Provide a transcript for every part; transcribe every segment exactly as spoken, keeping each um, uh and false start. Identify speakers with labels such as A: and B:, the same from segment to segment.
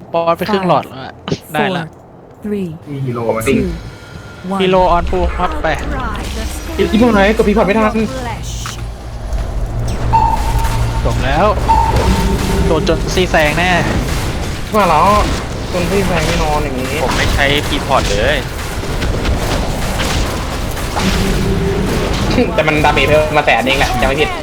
A: บอสไปครึ่งหลอดแล้วอะได้ละ
B: three,
C: มีฮีโร่มาดิ
B: two,
A: ฮี
B: one.
A: โรออนพูครับไป
D: ที่พวกไหนกดพีพอร์ตไม่ทัน
A: จบแล้วโดนจนซีแซงแน่
D: มาแล้วคนที่แพงไม่นอนอย่างนี้
E: ผมไม่ใช้พีพอร์ตเลย
D: แต่มันดาเมจเพิ่มมาแสนเองแหละจำไม่ผิด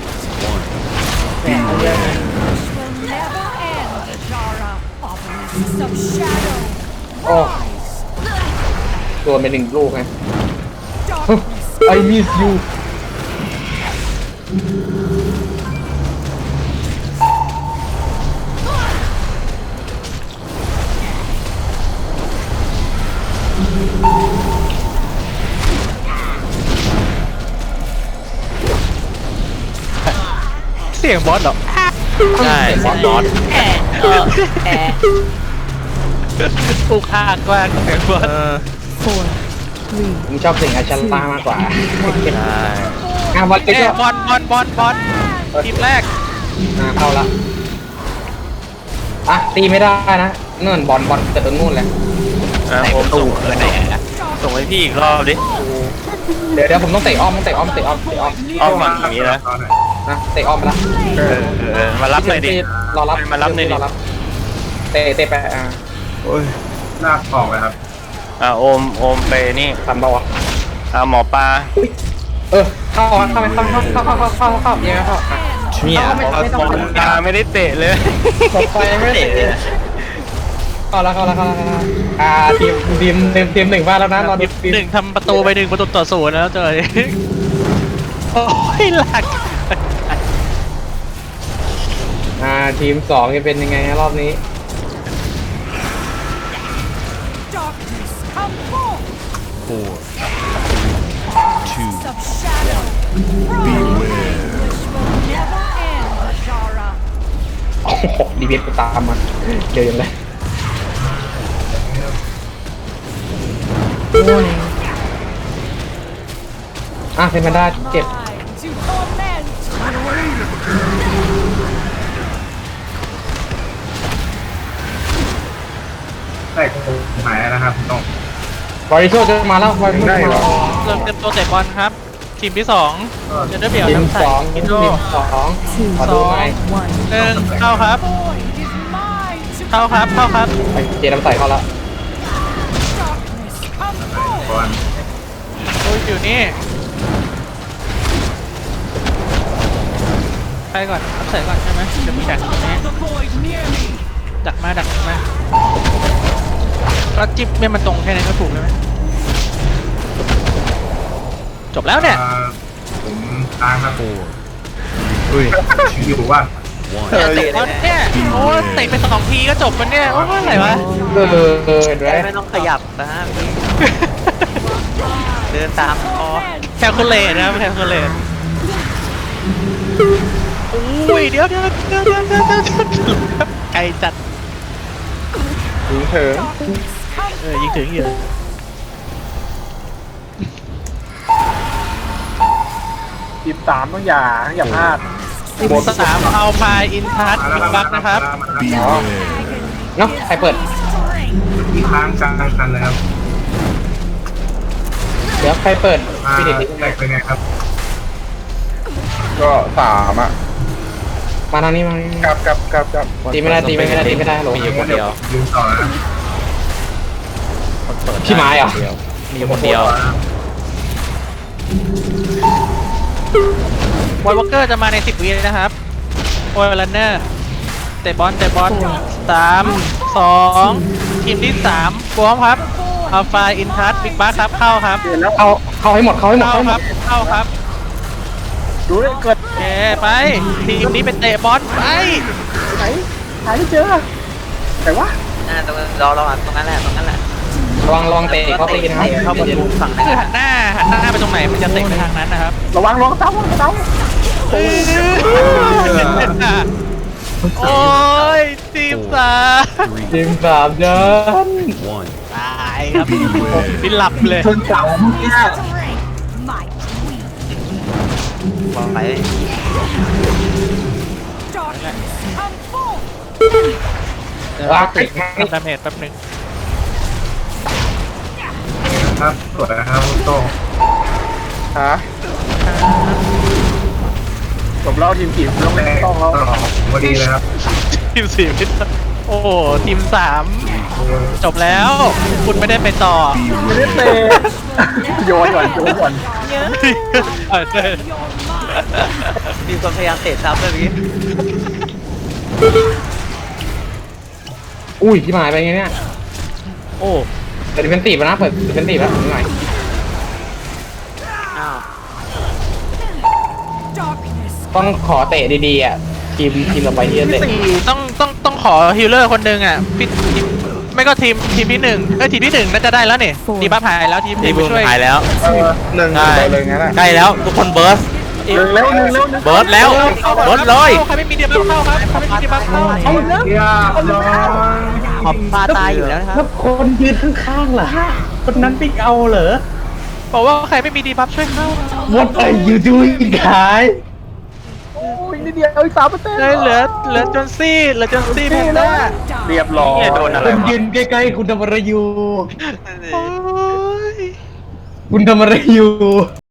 D: โอ้โดนไปหนึ่งลูกไง I miss you
A: เสียงบอสเหรอ
E: ใช่บอสบอส
A: อุกอาจมากเสียงบอส
B: Four, three,
D: ผมชอบสิ่งอาชันตามากกว่า
E: ใช่
D: อ่ะบอลก็
A: เอ้ยบอลบอลบอลบอลทีมแรก
D: อ่ะเข้าละอ่ะตีไม่ได้นะนู่นบอลบอลเกิดตรงนู่นแหละ
E: อ่ะผมส่งไปไหนอะส่งให้พี่อีกรอบดิ
D: เดี๋ยวเดี๋ยวผมต้องเตะอ้อมต้องเตะอ้อมเตะอ้อมเตะอ้อม
E: อ้อมฝั่งอย่างนี้นะ
D: นะเตะอ้อมไปละ
E: เออเออเออมารับหน่อยดิ
D: รอรับ
E: มารับหน่อยดิ
D: รอรับเตะเตะไปอ่า
C: ลากออกเลยครับ
E: อ่ะโอมโอมไปนี่
D: ทำเบาวะ
E: อ่ะหมอปลา
D: เออเข้าเข้าเข้าเข้าเข้าเข้าเข้าเข้าเข้ายังไงเข้า
E: เนี่ยหมอหมอปลาไม่ได้เตะเลย
D: ตกไปไม่เตะเข้าแล้วเข้าแล้วเข้าแล้วอ่าทีมทีมทีมทีมหนึ่งมาแล้วนะรอดูทีม
A: หนึ่งทำประตูไปหนึ่งประตูต่อศูนย์แล้วเจอโอ้ยหลัก
D: อ่าทีมสองจะเป็นยังไงรอบนี้ โอ้โหดีเวทกูตามมาเดินเลย
B: warning.
D: อ่ะเซมันด้าเจ็บ
C: แต่คงหายแล้วนะครับคุณต้อง
D: บริโชจะมาแล้วบริโชจะมาแล้ว
A: เริ่มเต็มตัวเตะบอลครับ ทีมที่สองเจนเดอร์เบียร์
D: ทีม
A: น้ำใส
D: สอง
A: อิ
D: ที
A: นโด
D: มสองขอดูหน่อย
B: One.
A: หนึ่งเข้าครับ เข้าครับเข้าครับ
D: ไปเจน้ำใสเข้าแล้ว
C: ก่อน
A: โอ้ยอยู่นี่ใครก่อนน้ำใสก่อนใช่ไหมเดี๋ยวมีดักตรงนี้ดักมาดักมาแล้วจิ๊บเนี่ยมันตรงแค่นั้นก็ถูกเลยไหมจบแล้วเนี่ย
C: อ่าผมตามครับอุ้ยอยู่ว่า
A: เนี่ยเตะบอลเนี่ยโอ้ยเตะไปสองทีก็จบมันเนี่ยโอ้ยอะไรวะ
D: เออเออเห็นไหม
F: ไม่ต้องขยับนะเดินตามพอ
A: แคลคูลเลตนะครับแคลคูลเลตอุ้ยเดี๋ยวเดี๋ยวเดี๋ยวเดี๋ยวเดี๋ยวเดี๋ยวไกลจัด
D: ถึงเถิง
A: เออยิงถึงอยู่
D: ทีมสามต้องอย่าอย่าพลาด
A: หมดสามเอาพายอินทัสบิ๊กบัคนะครับ
D: อ๋อเนาะใครเปิด
C: ที่ค้างกลางคันเลยครับ
D: เดี๋ยวใครเปิด
C: อ่า
D: พี่เด็ก
C: แตกเป็นไงครับ
G: ก็สามอ่ะ
D: มาทางนี้มาทางนี้
G: กับกับกับกับ
D: ตีไม่ได้ตีไม่ได้ตีไม่ได้หลง
E: มีอยู่คนเดียว
C: ยืนต่อนะ
E: คนเปิด
D: พี่ไม้เหรอ
E: มีอยู่คนเดียว
A: วอลวอเกอร์จะมาในสิบวินะครับโอยลันเนอร์เตะบอลเตะบอลสามสองทีมที่สามพร้อมครับเอาพายอินทัสบิ๊กบัคครับเข้าครับ
D: แล้วเอาเข้าให้หมดเข้าให้หมด
A: เข้า
D: เข้าให้ห
A: ค
D: ม
A: รับ
D: ด
A: เข้าครับ
D: ดูเลยเกิด
A: โอเคไปทีมนี้เป็นเตะบอลไป
D: ไหนหาไม่เจอแต่ว่า
F: อ่าตรงรอรอตรงนั้นแหละตรงนั้นแหละ
D: ระวังระวังเตะเขาตีนะครับ
F: เข้าประตูฝั่ง
A: คือ
F: นั้น
A: หันหน้าหันหน้าไปตรงไหนมันจะเตะไปทางนั้นนะครับ
D: ระวังระวังเต้าระวังเต้า
A: โอ้ยทีมสาม
D: ทีมสามเดิน
A: ตายครับพี่หลับเลย
D: ชนเสาเมื่อกี้
F: บอกไป
A: เเดี๋ยว
D: ว้า
A: ติด
D: ย
A: ดาเมจแป๊บนึง
C: ครับสวยนะครับคุณโต้ง
G: ฮะผมเล่าทีมกี่ต้อง
C: แม่
G: ต้องแล้ว
C: ต่อพอดีเลยครับ
A: ทีมสี่ไม่ได้โอ้โหทีมสามจบแล้ว คุณไม่ได้ไปต่อ
G: ไม่ได้เตะโยนก่อนโยนก่อน
A: เออใช่
F: มีคนพยายามเตะซ้ำเลยเมื่อกี้
D: อุ้ยที่หายไปไงเนี่ย
A: โอ้
D: เปิดดิเป็นตีบนะเปิดดิเป็นตีบแล้วหน่อย
F: อ้าว
D: ต้องขอเตะดีๆอ่ะทีมทีมเราไปที่จะเตะ
A: สี่ต้องต้องต้องขอฮิลเลอร์คนหนึ่งอ่ะพี่ทีมไม่ก็ทีมทีมที่หนึ่งเอ้ยทีมที่หนึ่งน่าจะได้แล้วนี่ดีบัฟหายแล้วทีม
E: ที
A: ที
E: ม
A: ม
E: บูม
A: ช่วย
E: หายแล้ว
G: เออหนึ่ง
E: ใช่
G: ไปเลยงั้นอ่ะ
E: ใกล้แล้วทุกคนเบิร์ส
G: หนึ่งแล้วหนึ่งแล้วหนึ่ง
E: เบิร์สแล้วเบิร์สเลย
A: ใครไม่มีดีบัฟเข้าครับใครไม่มีดีบัฟเข้า
G: เอาแล้ว
C: เรียบร้อย
F: ขอบปลาตายอยู่แล้วนะครับ
D: แล้วคนยืนข้างๆเหรอคนนั้นปิกเอาเหรอ
A: บอกว่าใครไม่มีดีบัฟช่วยเข้า
D: What are you doing guys
G: โอ้ยนิดเดียวอีกสามเปอร์เซ็นต์
A: เลยเหลือเหลือจนซี่เหลือจนซี่แพนด้า
G: เรียบร้อย
E: เนี่ยโดนอะไร
D: คุณ
E: วะ
D: ยืนใกล้ๆคุณทำอะไรอยู่
A: โอ้ย
D: คุณทำอะไรอยู่